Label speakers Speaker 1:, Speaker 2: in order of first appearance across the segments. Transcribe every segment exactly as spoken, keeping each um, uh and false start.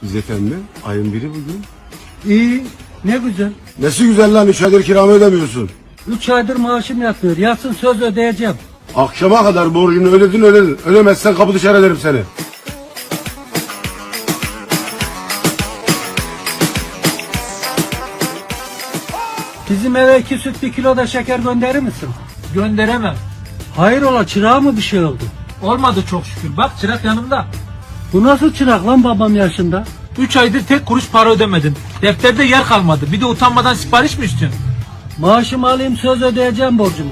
Speaker 1: İzzet emmi, ayın biri bugün.
Speaker 2: İyi, ne güzel.
Speaker 1: Nesi güzel lan, üç aydır kiramı ödemiyorsun.
Speaker 2: Üç aydır maaşım yatmıyor. Yatsın söz ödeyeceğim.
Speaker 1: Akşama kadar borcunu ödedin ödedin. Ödemezsen kapı dışarı ederim seni.
Speaker 2: Bizim eve iki süt bir kilo da şeker gönderir misin?
Speaker 3: Gönderemem.
Speaker 2: Hayrola, çırağa mı bir şey oldu?
Speaker 3: Olmadı çok şükür. Bak çırak yanımda.
Speaker 2: Bu nasıl çırak lan babam yaşında?
Speaker 3: Üç aydır tek kuruş para ödemedin. Defterde yer kalmadı. Bir de utanmadan sipariş mi istiyorsun?
Speaker 2: Maaşımı alayım, söz ödeyeceğim borcumu.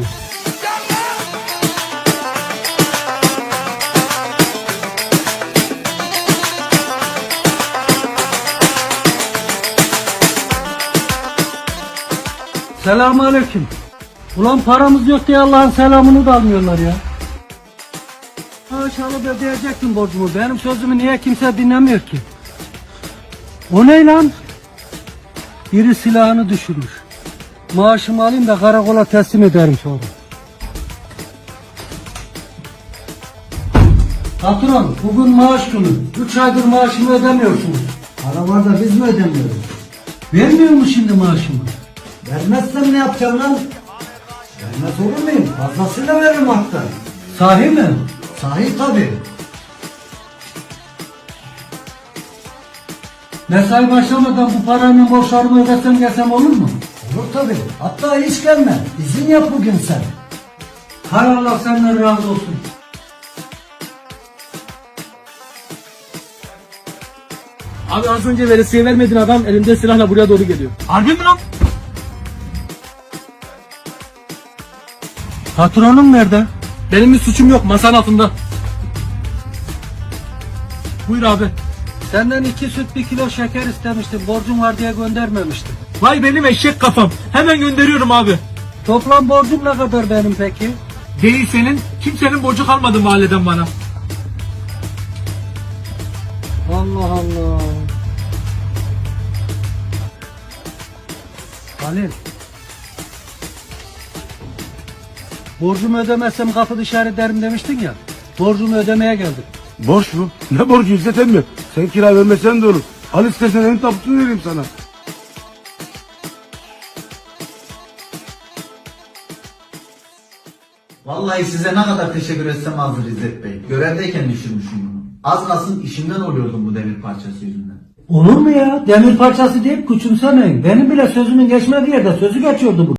Speaker 2: Selamünaleyküm. Ulan paramız yok diye Allah'ın selamını da almıyorlar ya. Maaş alıp ödeyecektim borcumu. Benim sözümü niye kimse dinlemiyor ki? O ne lan? Biri silahını düşürmüş. Maaşımı alayım da karakola teslim ederim sonra. Patron, bugün maaş günü. Üç aydır maaşımı ödemiyorsunuz.
Speaker 4: Para var da biz mi ödemiyoruz?
Speaker 2: Vermiyor mu şimdi maaşımı?
Speaker 4: Vermezsem ne yapacağım lan? Vermez olur muyum? Fazlasıyla veririm hatta.
Speaker 2: Sahi mi?
Speaker 4: Sahi tabii.
Speaker 2: Mesai başlamadan bu parayla borçlarımı ödesem gelsem olur mu?
Speaker 4: Olur tabii. Hatta hiç gelme. İzin yap bugün sen.
Speaker 2: Hay Allah senden razı olsun.
Speaker 5: Abi az önce veresiye vermedin, adam elinde silahla buraya doğru geliyor.
Speaker 3: Harbi mi lan?
Speaker 2: Patronum nerede?
Speaker 5: Benim bir suçum yok, masanın altında. Buyur abi.
Speaker 2: Senden iki süt bir kilo şeker istemiştim. Borcum var diye göndermemiştim.
Speaker 3: Vay benim eşek kafam. Hemen gönderiyorum abi.
Speaker 2: Toplam borcum ne kadar benim peki?
Speaker 3: Değil senin. Kimsenin borcu kalmadı mahalleden bana.
Speaker 2: Allah Allah. Halil. Borcumu ödemezsem kapı dışarı ederim demiştin ya. Borcumu ödemeye geldim.
Speaker 1: Borç mu? Ne borcu İzzet emmi? Sen kira vermesen de olur. Al istersen en tapusunu vereyim sana.
Speaker 6: Vallahi size ne kadar teşekkür etsem azdır İzzet Bey. Görevdeyken düşürmüşüm bunu. Az kalsın işimden oluyordum bu demir parçası yüzünden.
Speaker 2: Olur mu ya? Demir parçası deyip küçümsemeyin. Benim bile sözümün geçmediği yerde sözü geçiyordu bu.